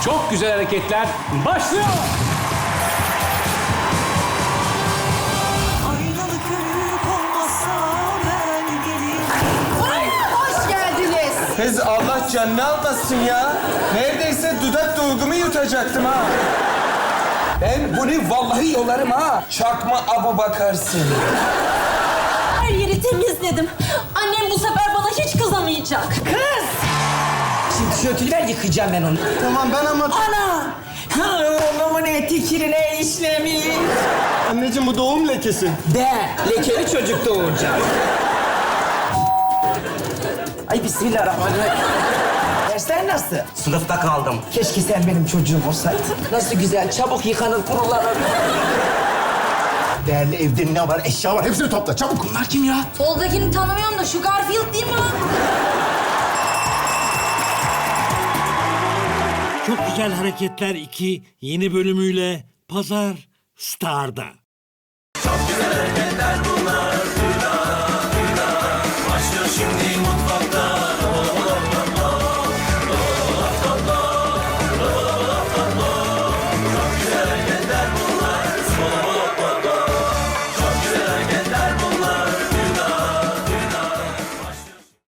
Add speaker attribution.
Speaker 1: Çok güzel hareketler başlıyor.
Speaker 2: Aynalı körük olmazsa ben gelirim.
Speaker 3: Hoş geldiniz.
Speaker 4: Kız Allah canını almasın ya. Neredeyse dudak dolgumu yutacaktım ha. Ben bunu vallahi yolarım ha. Çakma Abu Bakarsın.
Speaker 5: Her yeri temizledim. Annem bu sefer bana hiç kızamayacak.
Speaker 3: Kız!
Speaker 6: Şimdi tişörtünü ver, yıkayacağım ben onu.
Speaker 4: Tamam ben ama...
Speaker 3: Ana! Ha, oğlumun eti kirine işlemiş.
Speaker 4: Anneciğim bu doğum lekesi.
Speaker 6: De, lekeli çocuk doğuracağım. Ay bismillahirrahmanirrahim. Dersler nasıl? Sınıfta kaldım. Keşke sen benim çocuğum olsaydın. Nasıl güzel, çabuk yıkanır, kurulanır.
Speaker 7: Değerli evde ne var? Eşya var. Hepsini topla çabuk.
Speaker 6: Bunlar kim ya?
Speaker 5: Soldakini tanımıyorum da şu Garfield değil mi o?
Speaker 8: Çok Güzel Hareketler 2 yeni bölümüyle Pazar Star'da.
Speaker 9: Çok güzel hareketler